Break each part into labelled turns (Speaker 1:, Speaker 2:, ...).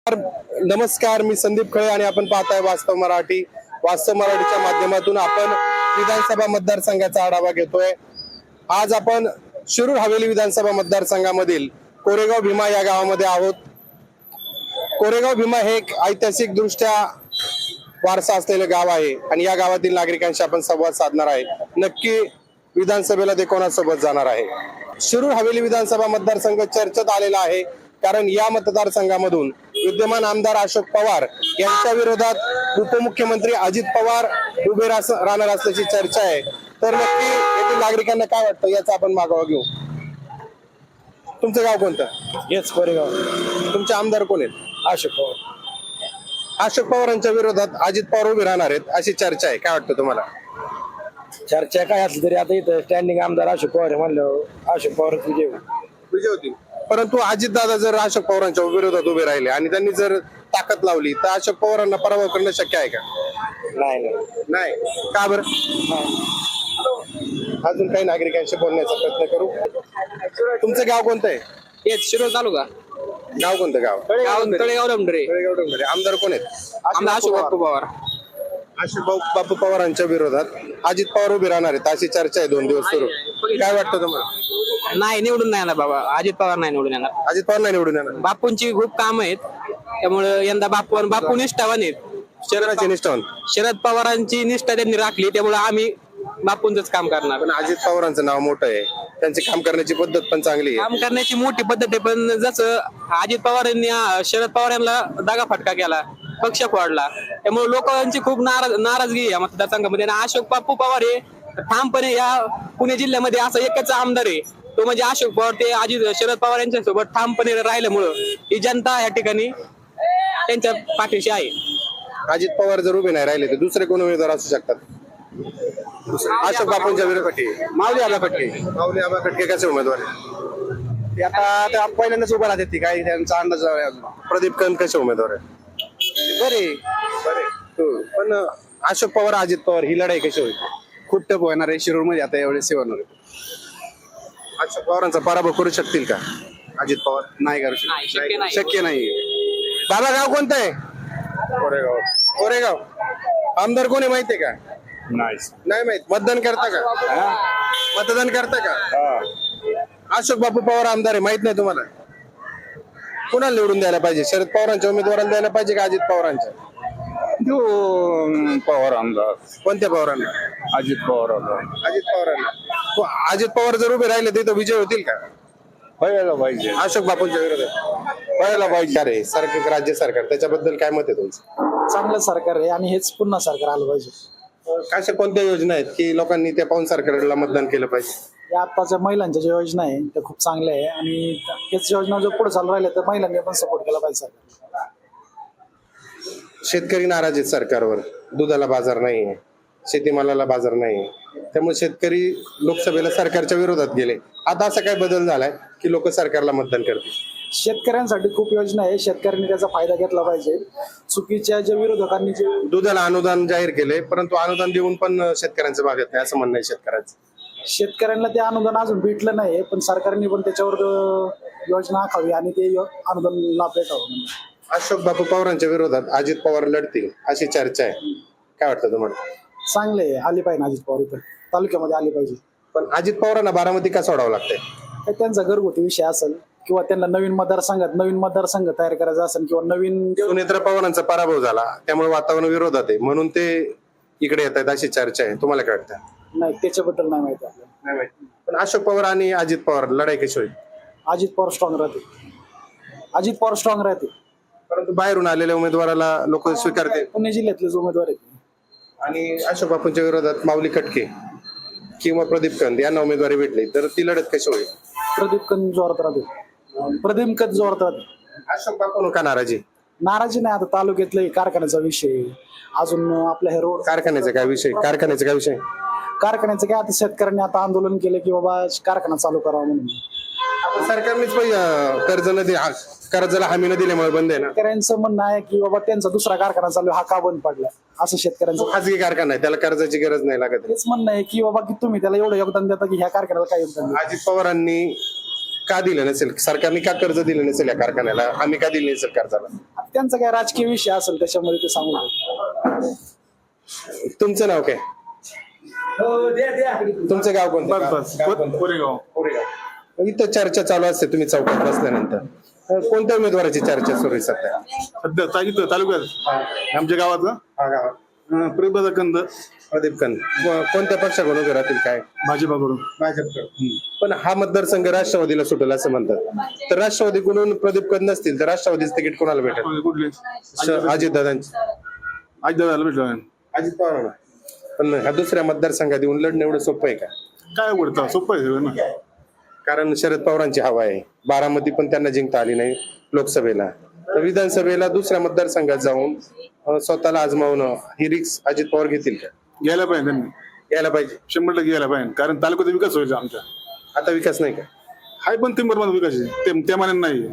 Speaker 1: नमस्कार, मी संदीप खळे आणि आपण पाहताय वास्तव मराठी. वास्तव मराठीच्या माध्यमातून आपण विधानसभा मतदारसंघाचा आढावा घेतोय. आज आपण शिरूर हवेली विधानसभा मतदारसंघामधील कोरेगाव भीमा या गावामध्ये आहोत. कोरेगाव भीमा हे एक ऐतिहासिक दृष्ट्या वारसा असलेलं गाव आहे आणि या गावातील नागरिकांशी आपण संवाद साधणार आहे. नक्की विधानसभेला ते कोणासोबत जाणार आहे. शिरूर हवेली विधानसभा मतदारसंघ चर्चेत आलेला आहे, कारण या मतदारसंघामधून विद्यमान आमदार अशोक पवार यांच्या विरोधात उपमुख्यमंत्री अजित पवार उभे राहणार असल्याची चर्चा आहे. तर नक्की येथील नागरिकांना काय वाटतं याचा आपण मागोवा घेऊ. तुमचं गाव कोणतं?
Speaker 2: हेच कोरेगाव.
Speaker 1: तुमचे आमदार कोण आहेत?
Speaker 2: अशोक पवार.
Speaker 1: अशोक पवारांच्या विरोधात अजित पवार उभे राहणार आहेत अशी चर्चा आहे. काय वाटतं तुम्हाला?
Speaker 2: चर्चा काय असली तरी आता इथं स्टँडिंग आमदार अशोक पवार आहे म्हणलं अशोक पवार
Speaker 1: विजय होतील. परंतु अजित दादा जर अशोक पवारांच्या विरोधात उभे राहिले आणि त्यांनी जर ताकद लावली तर अशोक पवारांना पराभव करणं शक्य आहे का? नाही. का बरं? अजून काही नागरिकांशी बोलण्याचा प्रयत्न करू. तुमचं गाव कोणतं आहे?
Speaker 3: हेच शिरोळ तालुका.
Speaker 1: गाव कोणतं? गाव
Speaker 3: तळेगाव डोंगरे.
Speaker 1: आमदार कोण आहेत?
Speaker 3: अशोक बापू पवार.
Speaker 1: अशोक बापू पवारांच्या विरोधात अजित पवार उभे राहणार आहेत अशी चर्चा आहे 2 दिवस सुरू. काय वाटतं तुम्हाला?
Speaker 3: नाही, निवडून नाही येणार बाबा. अजित पवार नाही निवडून येणार.
Speaker 1: अजित पवार नाही निवडून येणार.
Speaker 3: बापूंची खूप काम आहेत, त्यामुळे यंदा बापू निष्ठावान आहेत. शरद पवारांची निष्ठा त्यांनी राखली, त्यामुळे आम्ही बापूंच काम करणार.
Speaker 1: पण अजित पवारांचं नाव मोठं आहे, त्यांची काम करण्याची पद्धत पण चांगली आहे.
Speaker 3: काम करण्याची मोठी पद्धत आहे, पण जसं अजित पवारांनी शरद पवार यांना दगाफटका केला, पक्ष फोडला, त्यामुळे लोकांची खूप नाराजगी आहे या मतदारसंघामध्ये. आणि अशोक बापू पवार हे ठामपणे या पुणे जिल्ह्यामध्ये असं एकच आमदार आहे, तो म्हणजे अशोक पवार. ते शरद पवार यांच्या सोबत ठामपणे राहिल्यामुळं ही जनता या ठिकाणी त्यांच्या पाठीशी आहे.
Speaker 1: अजित पवार जर उभे नाही राहिले तर दुसरे कोण उमेदवार असू शकतात? अशोक बापूंच्या विरोधात
Speaker 2: माऊली आबा खटके.
Speaker 1: माऊली आबा खटके कसे उमेदवार आहेत?
Speaker 2: ते आता पहिल्यांदाच उभा राहते ती काय त्यांचा अंदाज आहे अजून.
Speaker 1: प्रदीप कंद कसे उमेदवार आहेत?
Speaker 2: बरे.
Speaker 1: पण अशोक पवार अजित पवार ही लढाई कशी होईल?
Speaker 2: खूप टप होणार आहे शिरूर मध्ये आता एवढे होणार आहे.
Speaker 1: अशोक पवारांचा पराभव करू शकतील का अजित पवार?
Speaker 2: नाही करू
Speaker 3: नाही, शक्य
Speaker 2: शकत.
Speaker 3: नाही.
Speaker 2: शक्य नाही.
Speaker 1: बाबा गाव कोणतं आहे? कोरेगाव. आमदार कोणी माहितीये का? नाही माहित. मतदान करता का? अशोक बापू पवार आमदार आहे, माहित नाही तुम्हाला? कुणाला निवडून द्यायला पाहिजे? शरद पवारांच्या उमेदवाराला द्यायला पाहिजे का अजित पवारांच्या?
Speaker 4: पवार आमदार.
Speaker 1: कोणत्या पवारांना?
Speaker 4: अजित पवारांना.
Speaker 1: अजित पवारांना. अजित पवार जर उभे राहिले तर विजय होतील का
Speaker 4: व्हायला पाहिजे.
Speaker 1: अशोक बापूंच्या विरोधात? व्हायला पाहिजे. अरे सरकार, राज्य सरकार, त्याच्याबद्दल काय मत आहे तुमचं?
Speaker 5: चांगलं सरकार आहे आणि हेच पुन्हा सरकार आलं पाहिजे.
Speaker 1: अशा कोणत्या योजना आहेत की लोकांनी त्या पाहून सरकारला मतदान केलं पाहिजे?
Speaker 5: या आत्ताच्या महिलांच्या ज्या योजना आहे त्या खूप चांगल्या आहे आणि हेच योजना जर पुढे चालू राहिल्या तर महिलांनी पण सपोर्ट केला पाहिजे सरकार.
Speaker 1: शेतकरी नाराज आहेत सरकारवर. दुधाला बाजार नाहीये, शेतीमालाला बाजार नाहीये, त्यामुळे शेतकरी लोकसभेला सरकारच्या विरोधात गेले. आता असा काय बदल झालाय की लोक सरकारला मतदान करतील?
Speaker 5: शेतकऱ्यांसाठी खूप योजना आहे, शेतकऱ्यांनी त्याचा फायदा घेतला पाहिजे. चुकीच्या ज्या विरोधकांनी जे
Speaker 1: दुधाला अनुदान जाहीर केले, परंतु अनुदान देऊन पण शेतकऱ्यांचं भागत नाही असं म्हणणं आहे शेतकऱ्यांचं.
Speaker 5: शेतकऱ्यांना ते अनुदान अजून भेटलं नाही, पण सरकारने पण त्याच्यावर योजना आखावी आणि ते अनुदान लाभ भेटावं.
Speaker 1: अशोक बापू पवारांच्या विरोधात अजित पवार लढतील अशी चर्चा आहे. काय वाटतं तुम्हाला?
Speaker 5: चांगले आहे, आले पाहिजे अजित पवार इथं तालुक्यामध्ये आले पाहिजे.
Speaker 1: पण अजित पवारांना बारामती का सोडावं लागतंय?
Speaker 5: तर त्यांचा घरगुती विषय असेल किंवा त्यांना नवीन मतदारसंघ तयार करायचा असेल किंवा नवीन
Speaker 1: सुनेत्र पवारांचा पराभव झाला त्यामुळे वातावरण विरोधात आहे, म्हणून ते इकडे येत आहेत अशी चर्चा आहे. तुम्हाला काय वाटतं?
Speaker 5: नाही, त्याच्याबद्दल नाही माहिती आपल्याला.
Speaker 1: नाही माहिती. पण अशोक पवार आणि अजित पवार लढाई कशी होईल?
Speaker 5: अजित पवार स्ट्रॉंग राहते.
Speaker 1: परंतु बाहेरून आलेल्या उमेदवाराला लोक स्वीकारते.
Speaker 5: पुणे जिल्ह्यातलेच उमेदवार आहेत
Speaker 1: आणि अशोक बापूंच्या विरोधात माऊली खटके किंवा प्रदीप कंद यांना उमेदवारी भेटली तर ती लढत कशी होईल?
Speaker 5: प्रदीप कंद जोरात राहते.
Speaker 1: अशोक बापू का नाराजी?
Speaker 5: नाराजी नाही, आता तालुक्यातले कारखान्याचा विषय अजून आपल्या हे रोड
Speaker 1: कारखान्याचा काय विषय?
Speaker 5: कारखान्याचं काय आता शेतकऱ्यांनी आता आंदोलन केलं की बाबा कारखाना चालू करावा म्हणून.
Speaker 1: सरकारनेच कर्जाला हमी न दिल्यामुळे बंद आहे ना.
Speaker 5: शेतकऱ्यांचं म्हणणं आहे की बाबा त्यांचा दुसरा कारखाना चालू हा का बंद पडला असं शेतकऱ्यांचं.
Speaker 1: खाजगी कारखाना आहे, त्याला कर्जाची गरज नाही लागत.
Speaker 5: हेच म्हणणं आहे की बाबा की तुम्ही त्याला एवढं योगदान देता की ह्या कारखान्याला काय योगदान देता?
Speaker 1: अजित पवारांनी का दिलं नसेल सरकारने, का कर्ज दिलं नसेल या कारखान्याला, आम्ही का दिलं नसेल कर्जाला?
Speaker 5: आता त्यांचा काय राजकीय विषय असेल त्याच्यामध्ये ते सांगू शकतो.
Speaker 1: तुमचं नाव काय? तुमचं गाव कोणतं? गाव कोणतं?
Speaker 4: कोरेगाव.
Speaker 1: कोरेगाव. इथं चर्चा चालू असते तुम्ही चौकात बसल्यानंतर, कोणत्या उमेदवाराची चर्चा सुरू आहे सध्या?
Speaker 4: सध्या इथं तालुक्यात आमच्या गावात
Speaker 1: हा गावात
Speaker 4: प्रभा कंद
Speaker 1: प्रदीप कंद कोणत्या पक्षाकडून उभे राहतील काय?
Speaker 4: भाजपाकडून.
Speaker 1: भाजपकडे. पण हा मतदारसंघ राष्ट्रवादीला सुटेल असं म्हणतात, तर राष्ट्रवादीकडून प्रदीप कंद नसतील तर राष्ट्रवादीचं तिकीट कोणाला भेटेल?
Speaker 4: कुठले?
Speaker 1: अजित दादांची.
Speaker 4: आज दादाला भेटलो.
Speaker 1: अजित पवार. पण ह्या दुसऱ्या मतदारसंघात येऊन लढणं एवढं सोपं आहे का?
Speaker 4: काय उघडतं सोपं आहे सगळं ना.
Speaker 1: कारण शरद पवारांची हवा आहे, बारामती पण त्यांना जिंकता आली नाही लोकसभेला, तर विधानसभेला दुसऱ्या मतदारसंघात जाऊन स्वतःला आजमावणं ही रिक्स अजित पवार घेतील का?
Speaker 4: घ्यायला पाहिजे त्यांनी,
Speaker 1: यायला पाहिजे.
Speaker 4: 100% घ्यायला पाहिजे. कारण तालुक्याचा विकास व्हायचा आमच्या.
Speaker 1: आता विकास नाही का?
Speaker 4: हाय पण तिंबरमध्ये विकास आहे त्या मानाने नाही.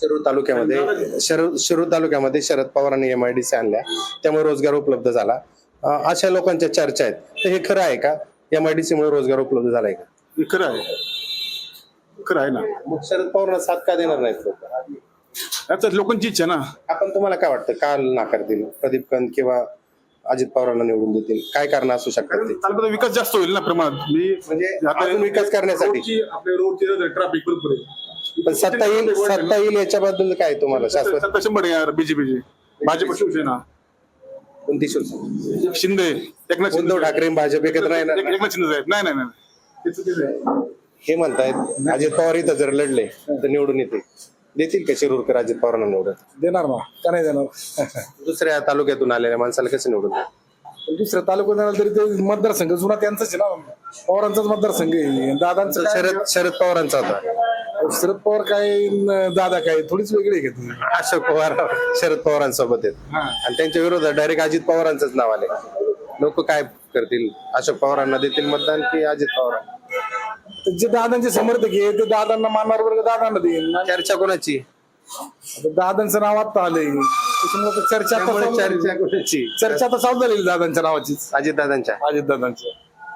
Speaker 1: शिरूर तालुक्यामध्ये शरद पवारांनी MIDC आणल्या, त्यामुळे रोजगार उपलब्ध झाला. अशा लोकांच्या चर्चा आहेत, तर हे खरं आहे का? MIDC मुळे रोजगार उपलब्ध झालाय का?
Speaker 4: हे खरं आहे, खरं आहे ना.
Speaker 1: मग शरद पवारांना साथ का देणार नाहीत लोक?
Speaker 4: याचा लोकांची इच्छा ना.
Speaker 1: आपण तुम्हाला काय वाटतं, का नाकारतील? प्रदीप कंद किंवा अजित पवारांना निवडून देतील? काय कारण असू शकतात
Speaker 4: कारण
Speaker 1: ते?
Speaker 4: तालुक्याचा विकास जास्त होईल ना प्रमाणात.
Speaker 1: म्हणजे अजून विकास करण्यासाठी
Speaker 4: आपल्या रोडची ट्रॅफिक भरपूर आहे.
Speaker 1: पण सत्ता येईल याच्याबद्दल काय तुम्हाला शाश्वत?
Speaker 4: सत्ता 100% येणार बीजेपीची. भाजप शिवसेना
Speaker 1: कोणती शिवसेना?
Speaker 4: शिंदे एकनाथ शिंदे.
Speaker 1: उद्धव ठाकरे आणि भाजप एकत्र नाही ना?
Speaker 4: एकनाथ शिंदे साहेब. नाही नाही नाही, हे चुकीचं आहे.
Speaker 1: हे म्हणतायत अजित पवार इथं जर लढले तर निवडून येतील. देतील का शिरूरकर अजित पवारांना निवडून?
Speaker 5: देणार ना, का नाही देणार?
Speaker 1: दुसऱ्या तालुक्यातून आलेल्या माणसाला कसं निवडून देणार?
Speaker 5: दुसऱ्या तालुक्यात देणार तरी ते मतदारसंघ जुना त्यांचाच आहे ना, पवारांचाच मतदारसंघ आहे. दादांचं
Speaker 1: शरद पवारांचा होता.
Speaker 5: शरद पवार काय दादा काय थोडीच वेगळी आहे का तुम्ही?
Speaker 1: अशोक पवार शरद पवारांसोबत आहेत आणि त्यांच्या विरोधात डायरेक्ट अजित पवारांचंच नाव आले. लोक काय करतील? अशोक पवारांना देतील मतदान की अजित पवार?
Speaker 5: जे दादांचे समर्थक आहे ते दादांना मानणार वर्ग दादांना देईल.
Speaker 1: चर्चा कोणाची?
Speaker 5: आता दादांचं नाव आता आलंय त्याच्यामुळे चर्चा आता
Speaker 1: त्यामुळे
Speaker 5: चालू झाली.
Speaker 1: चर्चा कोणाची?
Speaker 5: चर्चा आता चालू झालेली दादांच्या नावाचीच,
Speaker 1: अजित दादांच्या.
Speaker 5: अजित दादांच्या.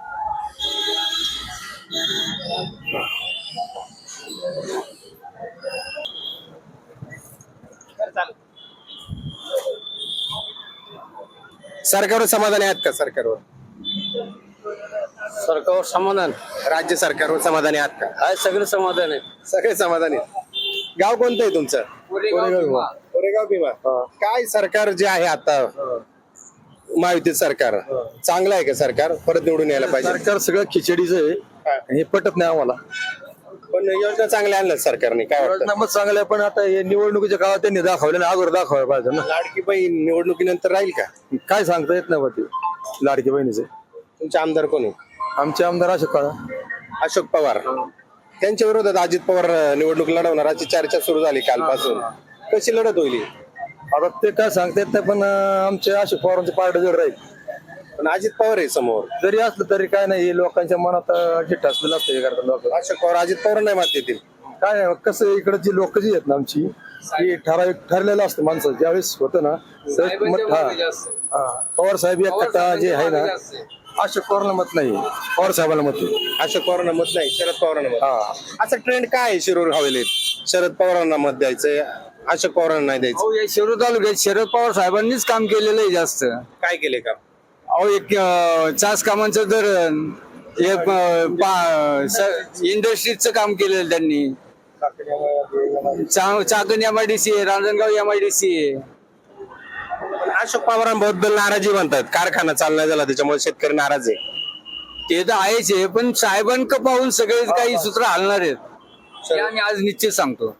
Speaker 1: सरकारवर समाधानी आहात का? सरकारवर
Speaker 3: समाधान
Speaker 1: राज्य सरकारवर समाधानी आहात का?
Speaker 3: आहे, सगळं समाधान आहे.
Speaker 1: सगळे समाधानी आहेत. गाव कोणतं आहे तुमचं? कोरेगाव भीमा. काय सरकार जे आहे आता महायुतीत सरकार चांगलं आहे का? सरकार परत निवडून यायला पाहिजे.
Speaker 2: सरकार सगळं खिचडीच आहे, हे पटत नाही आम्हाला.
Speaker 1: पण योजना चांगल्या आणल्या सरकारने, काय वाटतं?
Speaker 2: मग चांगलं आहे, पण आता हे निवडणुकीच्या काळात त्यांनी दाखवलं ना, अगोदर दाखवायला पाहिजे ना.
Speaker 1: लाडकी बहीण निवडणुकीनंतर राहील का?
Speaker 2: काय सांगता येत नाही बा ते लाडकी बहिणीचे.
Speaker 1: तुमचे आमदार कोण आहे?
Speaker 2: आमचे आमदार अशोक काळा.
Speaker 1: अशोक पवार. त्यांच्या विरोधात अजित पवार निवडणूक लढवणार अशी चर्चा सुरू झाली कालपासून. कशी लढत होईल?
Speaker 2: आता ते काय सांगता येत नाही, पण आमचे अशोक पवारांचे पार्ट जड राहील.
Speaker 1: पण अजित पवार आहे समोर.
Speaker 2: जरी असलं तरी काय नाही, हे लोकांच्या मनात जिट्ट असलेलं असतं हे करतात लोक.
Speaker 1: अशोक पवार अजित पवार नाही मात देतील.
Speaker 2: काय नाही, कसं इकडे जी लोक जी आहेत ना आमची, ही ठरलेलं असतं माणसं ज्यावेळेस होतं ना. पवार साहेब एक कट्टा जे आहे ना, अशोक पवारला मत नाही, पवार साहेबांना मत आहे.
Speaker 1: अशोक पवारांना मत नाही, शरद पवारांना मत. असा ट्रेंड काय आहे शिरूर हवेलीत? शरद पवारांना मत द्यायचंय, अशोक पवारांना नाही द्यायचं.
Speaker 3: शिरूर तालुक्यात शरद पवार साहेबांनीच काम केलेलं आहे जास्त.
Speaker 1: काय केले का?
Speaker 3: अहो, एक चास कामांचं धरण, एक इंडस्ट्रीजचं काम केलेलं त्यांनी. चाकण MIDC आहे, रांजणगाव MIDC आहे.
Speaker 1: अशोक पवारांबद्दल नाराजी म्हणतात, कारखाना चालना झाला त्याच्यामुळे शेतकरी नाराज आहे.
Speaker 3: ते तर आहेच आहे, पण साहेबांक पाहून सगळे काही सूत्र हलणार आहेत हे आम्ही आज निश्चित सांगतो.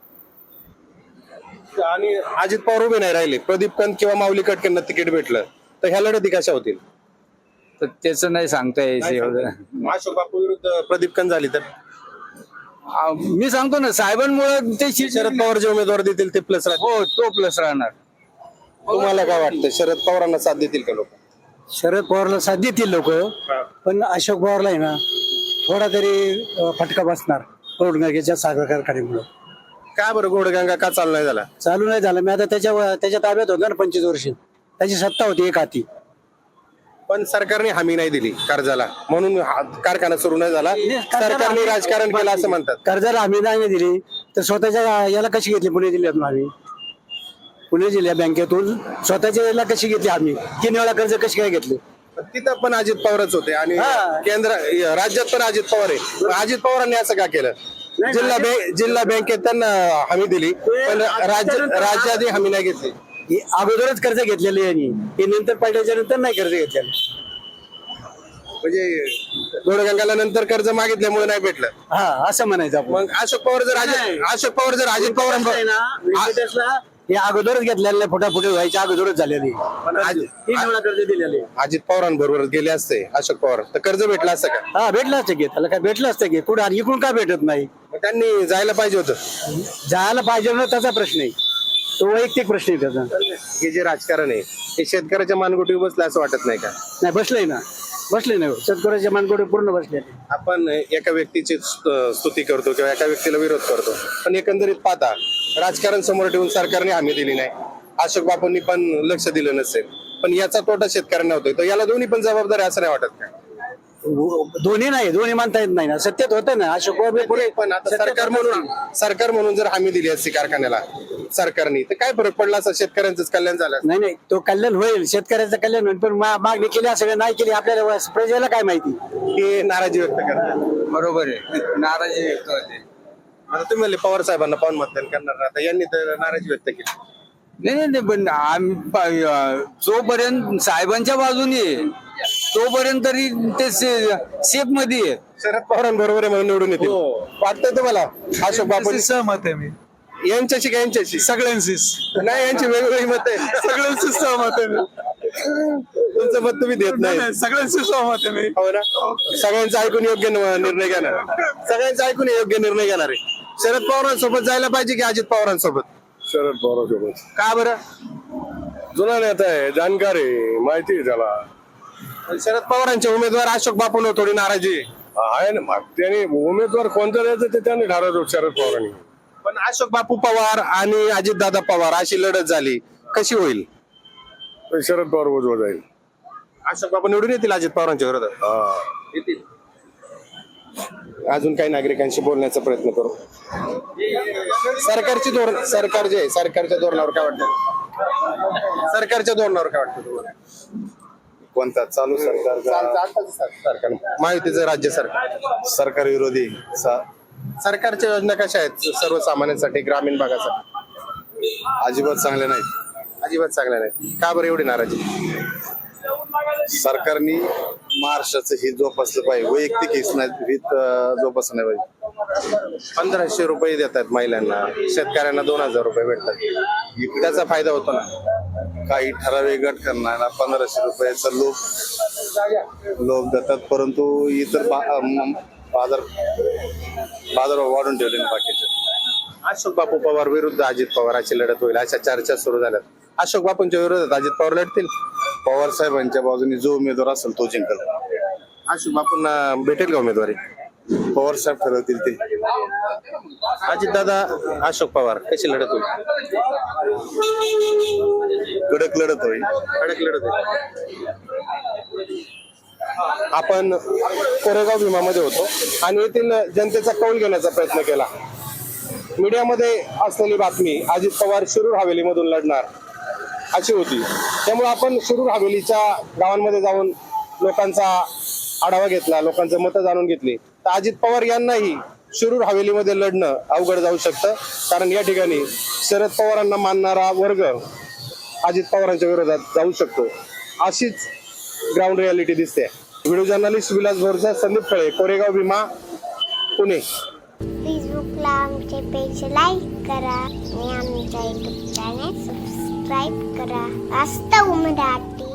Speaker 1: आणि अजित पवार उभे नाही राहिले, प्रदीप कंद किंवा माऊली कटकेंना तिकीट भेटलं तर ह्या लढती कशा होतील?
Speaker 3: तर त्याचं नाही सांगता यायचं.
Speaker 1: अशोक बापू विरुद्ध प्रदीप कंद झाली तर
Speaker 3: मी सांगतो ना, साहेबांमुळे ते
Speaker 1: शरद पवार जे उमेदवार देतील ते प्लस राहतील.
Speaker 3: हो, तो प्लस राहणार.
Speaker 1: तुम्हाला काय वाटतं, शरद पवारांना साथ देतील का लोक?
Speaker 5: शरद पवारला साथ देतील लोक, पण अशोक पवारला आहे ना थोडा तरी फटका बसणार रोडगांगेच्या साखर कारखान्यामुळे.
Speaker 1: का बरं घोडगंगा का चालू नाही झाला?
Speaker 5: चालू नाही झालं. मी आता त्याच्या ताब्यात होता ना 25 वर्ष, त्याची सत्ता होती एक हाती.
Speaker 1: पण सरकारने हमी नाही दिली कर्जाला, म्हणून कारखाना सुरू नाही झाला. सरकारने राजकारण केलं असं म्हणतात.
Speaker 5: कर्जाला हमी नाही दिली तर स्वतःच्या याला कशी घेतली पुणे जिल्ह्यातून आम्ही? पुणे जिल्हा बँकेतून स्वतःच्या याला कशी घेतली आम्ही? 3 वेळा कर्ज कशी काय घेतली?
Speaker 1: तिथं पण अजित पवारच होते आणि
Speaker 5: हा.
Speaker 1: राज्यात पण अजित पवार आहे. मग अजित पवारांनी असं का केलं? जिल्हा बँकेत त्यांना हमी दिली पण राज्यात हमी नाही घेतली.
Speaker 5: हे अगोदरच कर्ज घेतलेले यांनी, हे नंतर पडल्याच्या नंतर नाही कर्ज घेतलेलं.
Speaker 1: म्हणजे गोडगंगाला नंतर कर्ज मागितल्यामुळे नाही भेटलं.
Speaker 5: हा, असं म्हणायचं आपण.
Speaker 1: मग अशोक पवार जर अजित पवार
Speaker 5: हे अगोदरच घेतलेले, फुटाफुटी व्हायच्या अगोदरच झालेली. 3 वेळा कर्ज दिलेले.
Speaker 1: अजित पवारांबरोबर गेले असते अशोक पवार तर कर्ज भेटलं असतं का?
Speaker 5: हा, भेटलं असतं की, त्याला काय भेटलं असतं की, कुठं इकडून का भेटत नाही?
Speaker 1: मग त्यांनी जायला पाहिजे होतं.
Speaker 5: जायला पाहिजे ना, त्याचा प्रश्न आहे तो, वैयक्तिक प्रश्न आहे त्याचा.
Speaker 1: हे जे राजकारण आहे हे शेतकऱ्याच्या मानगुटीवर बसलं असं वाटत नाही का?
Speaker 5: नाही, बसलंय ना, बसले नाही, शेतकऱ्याच्या मानगोडे पूर्ण बसले.
Speaker 1: आपण एका व्यक्तीची स्तुती करतो किंवा एका व्यक्तीला विरोध करतो, पण एकंदरीत पाहता राजकारण समोर ठेवून सरकारने हमी दिली नाही, अशोक बापूंनी पण लक्ष दिलं नसेल, पण याचा तोटा शेतकऱ्यांना होतोय. तर याला दोन्ही पण जबाबदार आहे असं नाही वाटत का?
Speaker 5: दोन्ही नाही, दोन्ही मानता येत नाही ना. सत्तेत होतं ना अशोक बाबू पुढे,
Speaker 1: पण आता सरकार म्हणून जर हमी दिली असती कारखान्याला सरकारने तर काय फरक पडला असं? शेतकऱ्यांचंच कल्याण झालं.
Speaker 5: नाही नाही, तो कल्याण होईल, शेतकऱ्याचं कल्याण होईल, पण मागणी केली सगळं नाही केली, आपल्याला प्रजेला काय माहिती?
Speaker 1: हे नाराजी व्यक्त करतात.
Speaker 6: बरोबर आहे, नाराजी व्यक्त होते.
Speaker 1: आता तुम्ही म्हणले पवार साहेबांना पाहून मतदान करणार, आता यांनी तर नाराजी व्यक्त केली.
Speaker 6: नाही, पण जोपर्यंत साहेबांच्या बाजूने तोपर्यंत तरी ते सेफ मध्ये आहे.
Speaker 1: शरद पवारांबरोबर आहे म्हणून निवडून येतील वाटतंय तुम्हाला? अशोक बापू
Speaker 7: सहमत आहे मी,
Speaker 1: यांच्याशी का यांच्याशी?
Speaker 7: सगळ्यांशीच.
Speaker 1: नाही, यांची वेगवेगळी मत आहे.
Speaker 7: सगळ्यांशीच सहमत आहे मी.
Speaker 1: तुमचं मत तुम्ही देत नाही.
Speaker 7: सगळ्यांशी सहमत आहे मी.
Speaker 1: हो ना? सगळ्यांचं ऐकून योग्य निर्णय घेणार, सगळ्यांचं ऐकून योग्य निर्णय घेणार आहे. शरद पवारांसोबत जायला पाहिजे की अजित पवारांसोबत?
Speaker 2: शरद पवारांसोबत.
Speaker 1: का बरं?
Speaker 2: जुना नेता आहे, जाणकार आहे, माहिती आहे त्याला.
Speaker 1: शरद पवारांचे उमेदवार अशोक बापूंवर थोडी नाराजी आहे.
Speaker 2: आहे ना, मग त्याने उमेदवार कोणता द्यायचं ते त्यांनी ठरवलं शरद पवारांनी.
Speaker 1: पण अशोक बापू पवार आणि अजितदादा पवार अशी लढत झाली, कशी होईल?
Speaker 2: पण शरद पवार उजवा जाईल.
Speaker 1: अशोक बापू निवडून येतील अजित पवारांच्या विरोधात?
Speaker 2: हा.
Speaker 1: येतील. अजून काही नागरिकांशी बोलण्याचा प्रयत्न करू. सरकारची धोरण, सरकार जे आहे, सरकारच्या धोरणावर काय वाटतं? सरकारच्या धोरणावर काय वाटतं तुम्हाला?
Speaker 8: कोणता चालू
Speaker 1: सरकार महायुतीचं राज्य सरकार
Speaker 8: सरकार विरोधी
Speaker 1: सरकारच्या योजना कशा आहेत सर्वसामान्यांसाठी, ग्रामीण भागासाठी?
Speaker 8: अजिबात चांगले नाहीत.
Speaker 1: अजिबात चांगल्या नाही. का बरं एवढी नाराजी?
Speaker 8: सरकारने महाराष्ट्राचं हित जोपासलं पाहिजे, वैयक्तिक हित जोपासलं नाही पाहिजे.
Speaker 1: 1500 रुपये देतात महिलांना, शेतकऱ्यांना 2000 रुपये भेटतात, त्याचा फायदा होतो ना?
Speaker 8: काही ठराविक गट करणारा 1500 रुपयाचा लोभ देतात, परंतु इतर बाजार वाढून ठेवले ना बाकीचे.
Speaker 1: अशोक बापू पवार विरुद्ध अजित पवार अशी लढत होईल अशा चर्चा सुरू झाल्यात. अशोक बापूंच्या विरोधात अजित पवार लढतील.
Speaker 8: पवार साहेबांच्या बाजूने जो उमेदवार असेल तो जिंकल.
Speaker 1: अशोक बापूंना भेटेल का उमेदवारी?
Speaker 8: पवार साहेब ठरवतील ते.
Speaker 1: अजितदादा अशोक पवार कशी लढत होईल?
Speaker 8: कडक लढत होईल.
Speaker 1: कडक लढत होईल. आपण कोरेगाव भीमामध्ये होतो आणि येथील जनतेचा कौल घेण्याचा प्रयत्न केला. मीडियामध्ये असलेली बातमी अजित पवार शिरूर हवेलीमधून लढणार अशी होती. त्यामुळे आपण शिरूर हवेलीच्या गावांमध्ये जाऊन लोकांचा आढावा घेतला, लोकांचं मतं जाणून घेतली. तर अजित पवार यांनाही शिरूर हवेलीमध्ये लढणं अवघड जाऊ शकतं, कारण या ठिकाणी शरद पवारांना मानणारा वर्ग अजित पवारांच्या विरोधात जाऊ शकतो, अशीच ग्राउंड रियालिटी दिसते. Video journalist Vilas Bhorsa, Sandeep Khale, Koregaon Bhima, Pune.
Speaker 9: फेसबुकला आमचे पेज लाईक करा आणि आमच्या युट्यूब चॅनेल सबस्क्राईब करा. वास्तव मराठी.